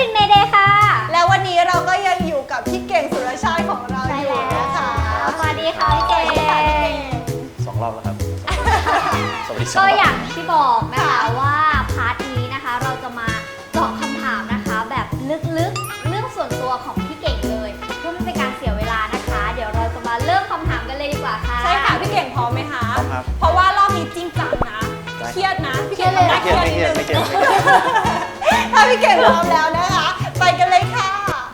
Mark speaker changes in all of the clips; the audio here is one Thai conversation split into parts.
Speaker 1: ลินเมเดย์ค่ะ
Speaker 2: แล้ววันนี้เราก็ยังอยู่กับพี่เก่งสุรชาติของเราอยู่นะคะ
Speaker 1: สวัสดีค่ะพี่เก่ง
Speaker 3: 2 รอบแล้วครับ สวัสดี
Speaker 1: ก็อย่างที่บอกนะคะว่าพาร์ทนี้นะคะเราจะมาตอบคำถามนะคะแบบลึกๆเรื่องส่วนตัวของพี่เก่งเลยเพื่อไม่เป็นการเสียเวลานะคะเดี๋ยวเราจะมาเริ่มคำถามกันเลยดีกว่าค่ะ
Speaker 2: ใช่ค่ะพี่เก่งพร้อมไหมคะ
Speaker 3: พร้อมครับ
Speaker 2: เพราะว่ารอบนี้จริงจังนะเครียดนะพี่เก่งไม่เครียดนิดนึงถ้าพี่เก่งพร้อมแล้วนะคะไปกันเลยค่ะ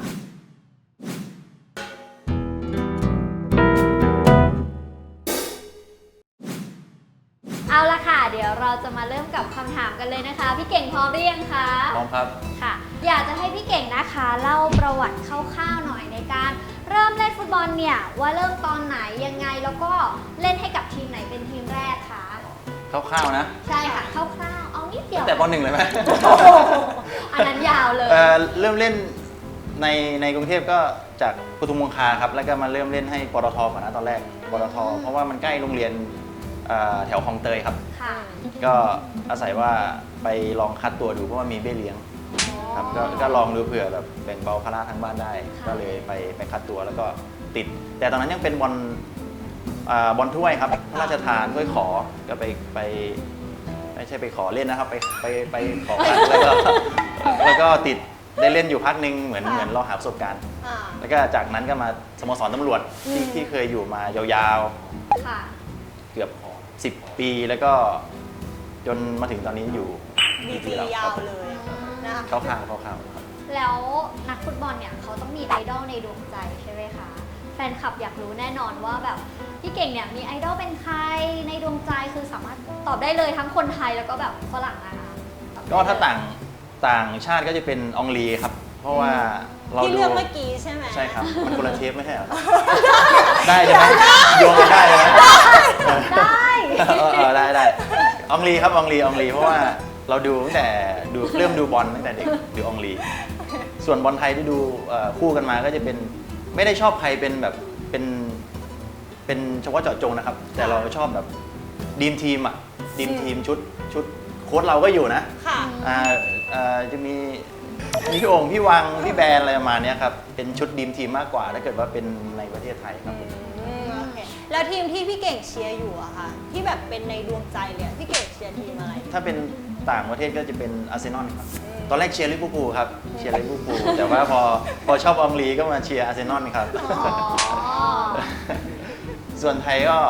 Speaker 1: เอาละค่ะเดี๋ยวเราจะมาเริ่มกับคำถามกันเลยนะคะพี่เก่งพร้อมหรือยังคะ
Speaker 3: พร้อมครับ
Speaker 1: ค่ะอยากจะให้พี่เก่งนะคะเล่าประวัติคร่าวๆหน่อยในการเริ่มเล่นฟุตบอลเนี่ยว่าเริ่มตอนไหนยังไงแล้วก็เล่นให้กับทีมไหนเป็นทีมแรกคะ
Speaker 3: คร่าวๆนะ
Speaker 1: ใช่ค่ะคร่าวๆเอานิดเดียว
Speaker 3: แต่ป .1 เลยไหม
Speaker 1: อันนั้นยาวเลย
Speaker 3: เริ่มเล่นในกรุงเทพก็จากปทุมคงคาครับแล้วก็มาเริ่มเล่นให้ปตทก่อนนะตอนแรกปตทเพราะว่ามันใกล้โรงเรียนแถวคลองเตยครับก็อาศัยว่าไปลองคัดตัวดูเพราะว่ามีเบี้ยเลี้ยงครับก็ลองดูเผื่อแบบแบ่งเบาภาระทางบ้านได้ก็เลยไปคัดตัวแล้วก็ติดแต่ตอนนั้นยังเป็นบอลถ้วยครับพระราชทานถ้วยขอก็ไปไม่ใช่ไปขอเล่นนะครับไปขอคัดแล้วก็ติดได้เล่นอยู่พักนึงเหมือนเราหาประสบการณ์แล้วก็จากนั้นก็มาสโมสรตำรวจที่เคยอยู่มายาวๆเกือบ10 ปีแล้วก็จนมาถึงตอนนี้อยู่
Speaker 2: ดียาวเลยนะ
Speaker 3: เข้าข้างครับ
Speaker 1: แล้วนักฟุตบอลเนี่ยเขาต้องมีไอดอลในดวงใจใช่ไหมคะแฟนคลับอยากรู้แน่นอนว่าแบบพี่เก่งเนี่ยมีไอดอลเป็นใครในดวงใจคือสามารถตอบได้เลยทั้งคนไทยแล้วก็แบบฝรั่งนะคะ
Speaker 3: ก็ถ้าต่างชาติก็จะเป็นอองลีครับเพราะว่าเรา
Speaker 2: ที่เลือกเมื่อกี้ใช่ไหม
Speaker 3: ใช่ครับมันคนละเทปไม่ใช่เหรอได้ใช่ไหมโยงกันได้ไหมได้อองลีครับอองลีเพราะว่าเราดูตั้งแต่เริ่มดูบอลตั้งแต่เด็กดูอองลีส่วนบอลไทยที่ดูคู่กันมาก็จะเป็นไม่ได้ชอบใครเป็นแบบเป็นเฉพาะเจาะจงนะครับแต่เราชอบแบบดีมทีมชุดโค้ชเราก็อยู่นะจะมีพี่โอ่งพี่วังพี่แบนอะไรประมาณนี้ครับเป็นชุดดีมทีมมากกว่าถ้าเกิดว่าเป็นในประเทศไทยครับ
Speaker 2: แล้วทีมที่พี่เก่งเชียร์อยู่อะค่ะที่แบบเป็นในดวงใจเลยพี่เก่งเชียร์ทีมอะไร
Speaker 3: ถ้าเป็นต่างประเทศก็จะเป็นอาร์เซนอลครับตอนแรกเชียร์ลิเวอร์พูลครับเชียร์ลิเวอร์พูลแต่ว่าพอชอบอองลีก็มาเชียร์อาร์เซนอลครับส่วนไทยก็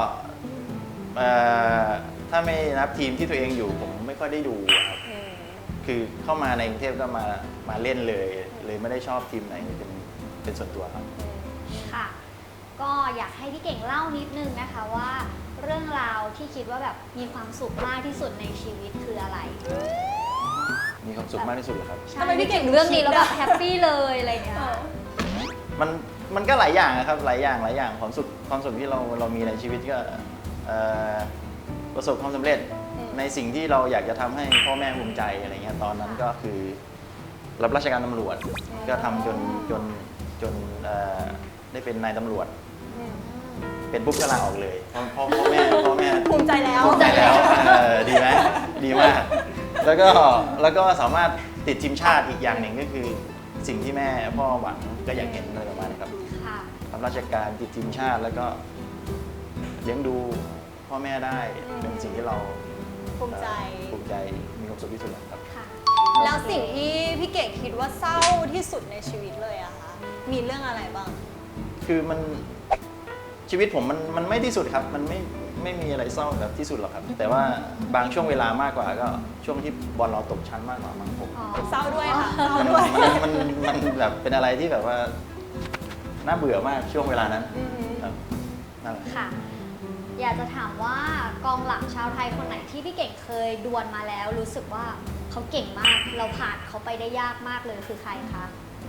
Speaker 3: ถ้าไม่นับทีมที่ตัวเองอยู่ผมไม่ค่อยได้ดูครับคือเข้ามาในกรุงเทพก็มาเล่นเลยไม่ได้ชอบทีมไหนเป็นส่วนตัวครับ
Speaker 1: ค่ะก็อยากให้พี่เก่งเล่านิดนึงนะคะว่าเรื่องราวที่คิดว่าแบบมีความสุขมากที่สุดในชีวิตคืออะไร
Speaker 3: มีความสุขมากที่สุดเหรอครับ
Speaker 1: ทำไมพี่เก่งเรื่องนี้แล้วแบบแฮปปี้เลยอะไรอย่างเงี้ย
Speaker 3: มันก็หลายอย่างนะครับหลายอย่างความสุขที่เรามีในชีวิตก็ประสบความสำเร็จในสิ่งที่เราอยากจะทำให้พ่อแม่ภูมิใจอะไรเงี้ยตอนนั้นก็คือรับราชการตำรวจก็ทำจนได้เป็นนายตำรวจเป็นปุ๊บก็ลาออกเลยพ่อแม่
Speaker 2: ภูมิใจแล้ว
Speaker 3: ดีไหมดีมากแล้วก็สามารถติดทีมชาติอีกอย่างหนึ่งก็คือสิ่งที่แม่พ่อหวังก็อยากเห็นอะไรประมาณนี้ครับรับราชการติดทีมชาติแล้วก็เลี้ยงดูพ่อแม่ได้เป็นสิ่งที่เรา
Speaker 2: ภูมิใจ
Speaker 3: มีความสุขที่สุดครับ
Speaker 2: แล้วสิ่งที่พี่เก่งคิดว่าเศร้าที่สุดในชีวิตเลยอะคะมีเรื่องอะไรบ้าง
Speaker 3: คือชีวิตผมมันไม่ที่สุดครับมันไม่มีอะไรเศร้าแบบที่สุดหรอกครับแต่ว่าบางช่วงเวลามากกว่าก็ช่วงที่บอลเราตกชั้นมากกว่ามั้งผม
Speaker 2: เศร้าด้วยค่ะเศร้าด้วย
Speaker 3: มันแบบเป็นอะไรที่แบบว่าน่าเบื่อมากช่วงเวลานั้นครับนั่นแหละ
Speaker 1: ค่ะอยากจะถามว่ากองหลังชาวไทยคนไหนที่พี่เก่งเคยดวลมาแล้วรู้สึกว่าเขาเก่งมากเราผ่านเขาไปได้ยากมากเลยคือใครคะ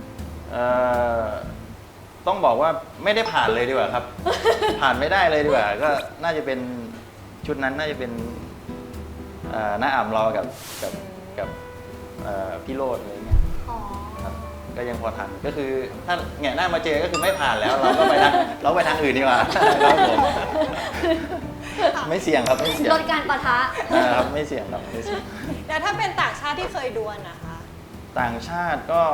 Speaker 3: ต้องบอกว่าไม่ได้ผ่านเลยดีกว่าครับ ผ่านไม่ได้เลยดีกว่าก็น่าจะเป็นชุดนั้นน่าจะเป็นน้าอ่ำรอกับพี่โรจน์อะไรเงี้ยก็ยังพอทันก็คือถ้าแง่หน้ามาเจอก็คือไม่ผ่านแล้วเราก็ไปทางอื่นดีกว่าครับผมไม่เสี่ยงครับไม่เสี่ยง
Speaker 1: ลดการปะทะ
Speaker 3: ครับไม่เสี่ยงครับไม่เสี่ยง
Speaker 2: แล้วถ้าเป็นต่างชาติที่เคยดวลนะคะ
Speaker 3: ต่างชาติก็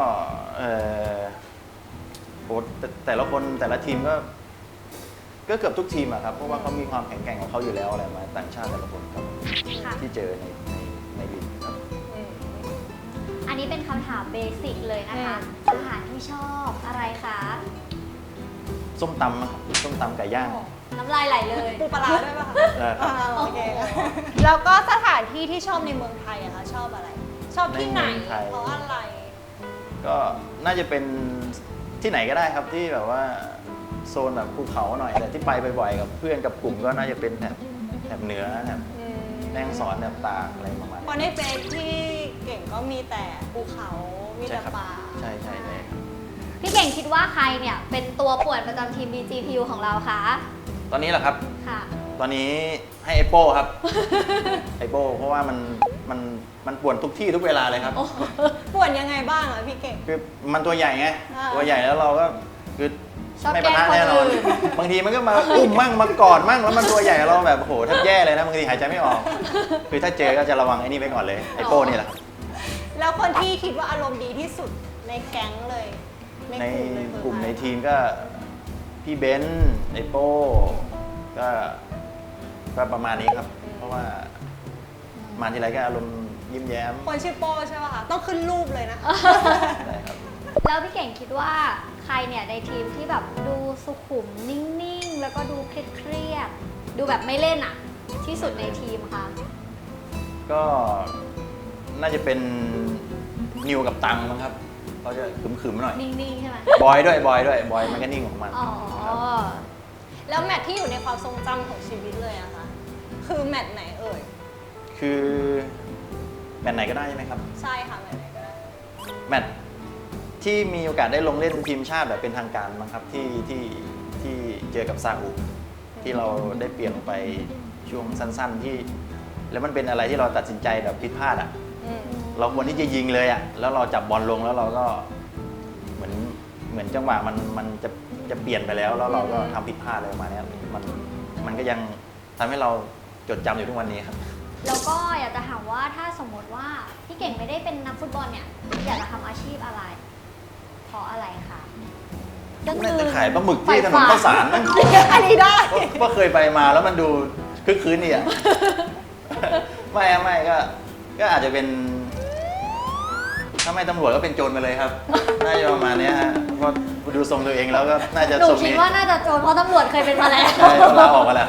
Speaker 3: โหแต่ละคนแต่ละทีมก็เกือบทุกทีมอะครับเพราะว่าเขามีความแข็งแกร่งของเขาอยู่แล้วอะไรมาต่างชาติแต่ละคนครับ
Speaker 1: ค่ะ
Speaker 3: ที่เจอในลีกครับ
Speaker 1: อันนี้เป็นคำถามเบสิกเลยนะคะอาหารที่ชอบอะไรคะ
Speaker 3: ส้มตำครับส้มตำไก่ย่าง
Speaker 1: น้ำลายไหลเลย
Speaker 2: ปูปลาร้าด้วยป่ะคะ
Speaker 3: ได้ครับ
Speaker 2: โอเคแล้วก็สถานที่ที่ชอบในเมืองไทยอะคะชอบอะไร ชอบที่ไหน
Speaker 3: ในเมืองไทย
Speaker 2: เพราะอะไร
Speaker 3: ก็น่าจะเป็นที่ไหนก็ได้ครับที่แบบว่าโซนแบบภูเขาหน่อยแต่ที่ไปบ่อยๆกับเพื่อนกับกลุ่มก็น่าจะเป็นแถบเหนือแถบแม่ฮ่องสอนแถบตากอะไรประมาณ
Speaker 2: เพราะในเฟซที่เก่งก็มีแต่ภูเขา มี
Speaker 3: ใช่
Speaker 2: แต่
Speaker 3: ครับ
Speaker 2: ป่า
Speaker 3: ใช่ครับ
Speaker 1: พี่เก่งคิดว่าใครเนี่ยเป็นตัวป่วนประจำทีม BGPU ของเราคะ
Speaker 3: ตอนนี้เหรอครับ
Speaker 1: ค่ะ
Speaker 3: ตอนนี้ให้ไอโป้ครับ ไอโป้เพราะว่ามันป่วนทุกที่ทุกเวลาเลยครับ
Speaker 2: ป่วนยังไงบ้างอะพี่เก่ง
Speaker 3: คือมันตัวใหญ่ไง
Speaker 2: อ่า
Speaker 3: ตัวใหญ่แล้วเราก็คือ
Speaker 1: ชอบ
Speaker 3: ไม่
Speaker 1: แก
Speaker 3: ปะ
Speaker 1: ล้ง
Speaker 3: ทะ
Speaker 1: คน
Speaker 3: แน่นอน
Speaker 1: อื่น
Speaker 3: บางทีมันก็มาอุ้มมั่งมากอดมั่งแล้วมันตัวใหญ่เราแบบโหแทบแย่เลยนะบางทีหายใจไม่ออก คือถ้าเจอก็จะระวังไอ้นี่ไว้ก่อนเลยไอโป้นี่แหละครับ
Speaker 2: แล้วคนที่คิดว่าอารมณ์ดีที่สุดในแก๊งเลย
Speaker 3: ใน
Speaker 2: เลย
Speaker 3: กลุ่มใน
Speaker 2: คือใคร
Speaker 3: ทีมก็พี่เบนซ์ไอโป้ก็ประมาณนี้ครับ เพราะว่ามาทีไรก็อารมณ์ยิ้มแย้ม
Speaker 2: คนชื่อโป้ใช่ป่ะคะ ต้องขึ้นรูปเลยนะ
Speaker 3: ได้ครับ
Speaker 1: แล้วพี่เก่งคิดว่าใครเนี่ยในทีมที่แบบดูสุขุมนิ่งๆ แล้วก็ดูเครียดๆดูแบบไม่เล่นอะที่สุดในทีมคะ
Speaker 3: ก็น่าจะเป็นนิวกับตังมั้งครับเขาจะขึมๆหน่อย
Speaker 1: นิ่งๆใช่ไหม
Speaker 3: บอยด้วยบอยมันก็นิ่งของมัน
Speaker 1: อ๋อ
Speaker 3: ครับ
Speaker 2: แล้วแมตช์ที่อยู่ในความทรงจำของชีวิตเลยอะคะ คือแมตช์ไหนเอ่ย
Speaker 3: คือแมตช์ไหนก็ได้ใช่ไหมครับ
Speaker 2: ใช่ค่ะแมตช์ไหนก็ได้
Speaker 3: แมตช์ที่มีโอกาสได้ลงเล่นทีมชาติแบบเป็นทางการมั้งครับที่เจอกับซาอุที่เราได้เปลี่ยนไปช่วงสั้นๆที่ แล้วมันเป็นอะไรที่เราตัดสินใจแบบผิดพลาดอ่ะ
Speaker 2: อืม
Speaker 3: เราควรที่จะยิงเลยอ่ะแล้วเราจับบอลลงแล้วเราก็เหมือนจังหวะมันจะเปลี่ยนไปแล้วเราก็ทำผิดพลาดอะไรประมาณเนี้ยมันก็ยังทำให้เราจดจำอยู่ทุกวันนี้ครับ
Speaker 1: แล้วก็อยากจะถามว่าถ้าสมมติว่าพี่เก่งไม่ได้เป็นนักฟุตบอลเนี่ยอยากจะทำอาชีพอะไร เพราะอะไรคะก็คื
Speaker 3: น่า
Speaker 1: อ
Speaker 3: จะขายปลาหมึกที่ถนนข้าวสารนะ
Speaker 2: อันนี้ได้
Speaker 3: ว่าเคยไปมาแล้วมันดูคึกคืนดีอ่ะ ไม่ก็อาจจะเป็นถ้าไม่ตำรวจก็เป็นโจรไปเลยครับ น่าจะประมาณเนี้ยฮะเพราะดูทรงตัวเองแล้วก็น่าจะ
Speaker 1: หนู
Speaker 3: ทรง
Speaker 1: คิด
Speaker 3: นี้
Speaker 1: ว่าน่าจะโจรเพราะตำรวจเคยเป็นมาแล้ว
Speaker 3: ใช่เราออกมาแล้ว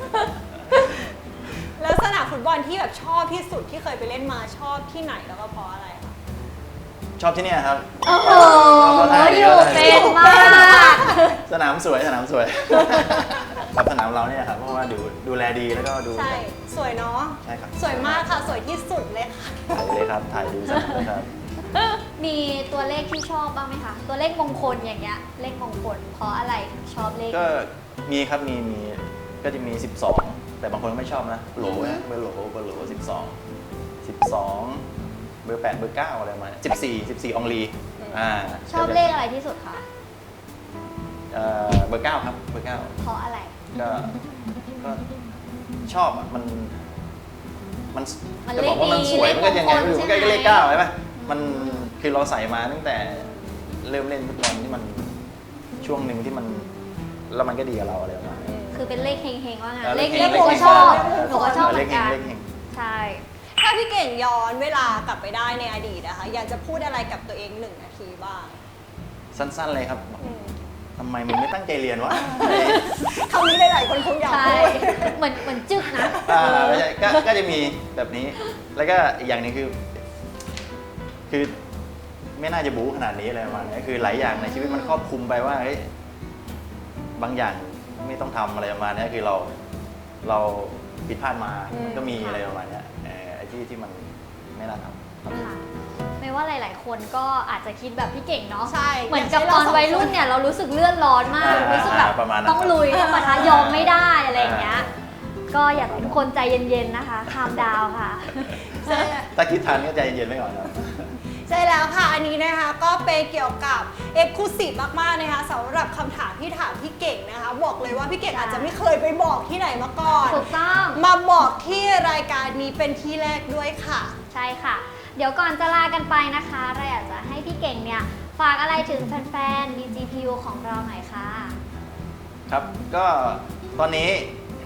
Speaker 2: แล้วสนามฟุตบอลที่แบบชอบที่สุดที่เคยไปเล่นมาชอบที่ไหนแล้วก็เพราะอะไรคะ
Speaker 3: ชอบที่เนี่ยครับ
Speaker 1: โอ้โห
Speaker 3: เอาท่า
Speaker 1: อ
Speaker 3: ดี
Speaker 1: ยู่
Speaker 3: เอาท่าดี
Speaker 1: เป็นมาก
Speaker 3: สนามสวยครับสนามเราเนี่ยครับเพราะว่าดูแลดีแล้วก็ดู
Speaker 2: ใช่ สวยเนาะ
Speaker 3: ใช่ครับ
Speaker 2: สวยมากค่ะ สวยที่สุดเลยค่ะ
Speaker 3: ถ่ายเลยครับถ่ายดูสนามเลยครับ
Speaker 1: มีตัวเลขที่ชอบบ้างไหมคะ ตัวเลขมงคลอย่างเงี้ย เลขมงคลเพราะอะไรถึงชอบเลข
Speaker 3: ก็มีครับมีก็จะมี 12 แต่บางคนก็ไม่ชอบนะโหลนะเบอร์โหล12 เบอร์ 8 เบอร์ 9 อะไรประมาณนี้14 องลีอ่า
Speaker 1: ชอบเลขอะไรที่สุดคะ
Speaker 3: เบอร์ 9 ครับเบอร์ 9
Speaker 1: เพราะอะไร
Speaker 3: ก็ชอบอ่ะมัน
Speaker 1: มัน
Speaker 3: จะบอกว่ามันสวย
Speaker 1: เลขดี
Speaker 3: มันก็ยังไงไม่รู้
Speaker 1: เลขมงคล
Speaker 3: มันก็
Speaker 1: ใช่ไหม
Speaker 3: เลข9ใช่ไหมมันคือเราใส่มาตั้งแต่เริ่มเล่นฟุตบอลที่มันช่วงหนึ่งที่มันแล้วมันก็ดีกับเราอะไรประมาณนี้
Speaker 1: คือเป็นเลขเฮงๆว่างั้น
Speaker 3: เออ
Speaker 1: เลข
Speaker 3: เล
Speaker 1: นี้
Speaker 3: ข
Speaker 1: หนู
Speaker 3: เฮ
Speaker 1: ก็
Speaker 3: ง
Speaker 1: ชอบ
Speaker 2: เลขเฮง
Speaker 1: หนูก็ชอบเหมื
Speaker 3: เล
Speaker 1: อ
Speaker 3: ข
Speaker 1: น
Speaker 3: เฮง
Speaker 1: กัน
Speaker 3: เลขเฮง
Speaker 1: ใช่
Speaker 2: ถ้าพี่เก่งย้อนเวลากลับไปได้ในอดีตนะคะ อยากจะพูดอะไรกับตัวเอง1 นาทีบ้าง
Speaker 3: สั้นๆเลยครับ
Speaker 2: อืม
Speaker 3: ทำไมมึงไม่ตั้งใจเรียนวะ
Speaker 2: คำนี้หลายๆคนคงอยาก
Speaker 1: ใช่
Speaker 2: พูด
Speaker 1: เหมือนจึกนะ
Speaker 3: ไม่ใช่ก็จะมีแบบนี้ แล้วก็อีกอย่างหนึงคือไม่น่าจะบู๊ขนาดนี้อะไรประมาณนี้คือหลายอย่างในชีวิตมันครอบคลุมไปว่าเฮ้ยบางอย่างไม่ต้องทำอะไรประมาณนี้คือเราผิดพลาดมา มันก็มีอะไรประมาณนี้ไอ้ที่มันไม่น่าทำ
Speaker 1: ค่ะไม่ว่าหลาย ๆ คนก็อาจจะคิดแบบพี่เก่งเนาะ
Speaker 2: ใช่
Speaker 1: เหมือนกับตอนวัยรุ่นเนี่ยเรารู้สึกเลื่อนร้อนมาก รู้สึกแบบ
Speaker 3: ประมาณนั้น
Speaker 1: ต้องลุยต้องปะทะยอมไม่ได้อะไรอย่างเงี้ย ก็อยากให้ทุกคนใจเย็น ๆ นะคะคามดาวค่ะ
Speaker 2: ใช่
Speaker 3: ถ้าคิดทันก็ใจเย็นๆไว้ก่อนครับ
Speaker 2: ใช่แล้วค่ะ อันนี้นะคะก็เป็นเกี่ยวกับเอ็กซ์คลูซีฟมากๆนะคะสำหรับคำถามที่ถามพี่เก่งนะคะ บอกเลยว่าพี่เก่ง
Speaker 1: ใช่
Speaker 2: อาจจะไม่เคยไปบอกที่ไหนมาก่อน
Speaker 1: ถูกต้อง
Speaker 2: มาบอกที่รายการนี้เป็นที่แรกด้วยค่ะ
Speaker 1: ใช่ค่ะเดี๋ยวก่อนจะลากันไปนะคะเราอยากจะให้พี่เก่งเนี่ยฝากอะไรถึงแฟนๆ BGPU ของเราหน่อยค่ะ
Speaker 3: ครับก็ตอนนี้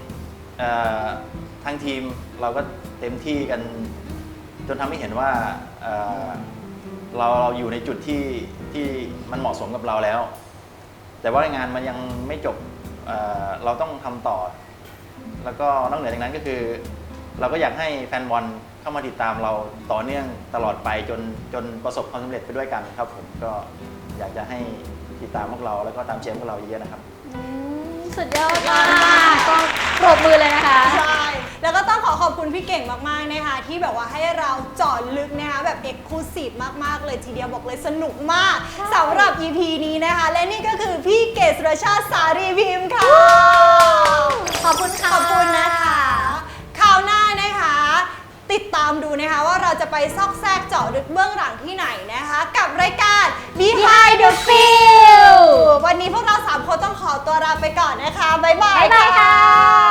Speaker 3: ทางทีมเราก็เต็มที่กันจนทำให้เห็นว่าเราอยู่ในจุดที่มันเหมาะสมกับเราแล้ว แต่ว่างานมันยังไม่จบเราต้องทำต่อ แล้วก็นอกเหนือจากนั้นก็คือเราก็อยากให้แฟนบอลเข้ามาติดตามเราต่อเนื่องตลอดไปจนประสบความสำเร็จไปด้วยกันครับผมก็อยากจะให้ติดตามพวกเราแล้วก็ตามเชียร์พวกเราเยอะๆนะครับ
Speaker 1: สุดยอดมากก็ปรบมือเลยนะคะ
Speaker 2: ใช่ แล้วก็ต้องขอบคุณพี่เก่งมากๆนะคะที่แบบว่าให้เราเจาะลึกนะคะแบบเอกลูซีฟมากๆเลยทีเดียวบอกเลยสนุกมากสำหรับ EP นี้นะคะ และนี่ก็คือพี่เกศสุรชาติสารีพิมพ์ค่ะ
Speaker 1: ขอบคุณค่ะ
Speaker 2: ขอบคุณนะคะคราวหน้านะคะ ติดตามดูนะคะว่าเราจะไปซอกแซกเจาะลึกเบื้องหลังที่ไหนนะคะ กับรายการ Behind the Field วันนี้พวกเรา3คนต้องขอตัวลาไปก่อนนะคะ บ๊ายบาย
Speaker 1: บ๊ายบายค่ะ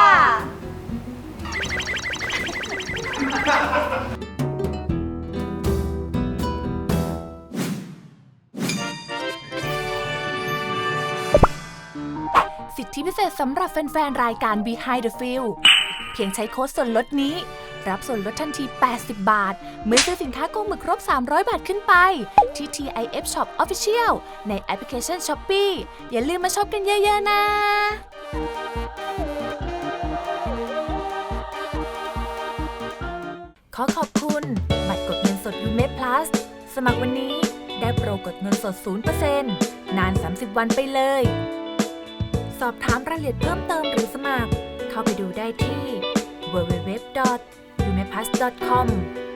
Speaker 4: สิทธิพิเศษสำหรับแฟนๆ รายการ Behind the Field เพียงใช้โค้ดส่วนลดนี้ รับส่วนลดทันที 80 บาท เมื่อซื้อสินค้าโกหมึกครบ 300 บาทขึ้นไป ที่ TIF Shop Official ในแอปพลิเคชัน Shopee อย่าลืมมาช็อปกันเยอะๆ นะ ขอขอบคุณบัตรกดเงินสด Ume Plus สมัครวันนี้ได้โปรกดเงินสด 0% นาน 30 วันไปเลย สอบถามรายละเอียดเพิ่มเติมหรือสมัคร เข้าไปดูได้ที่ www.umeplus.com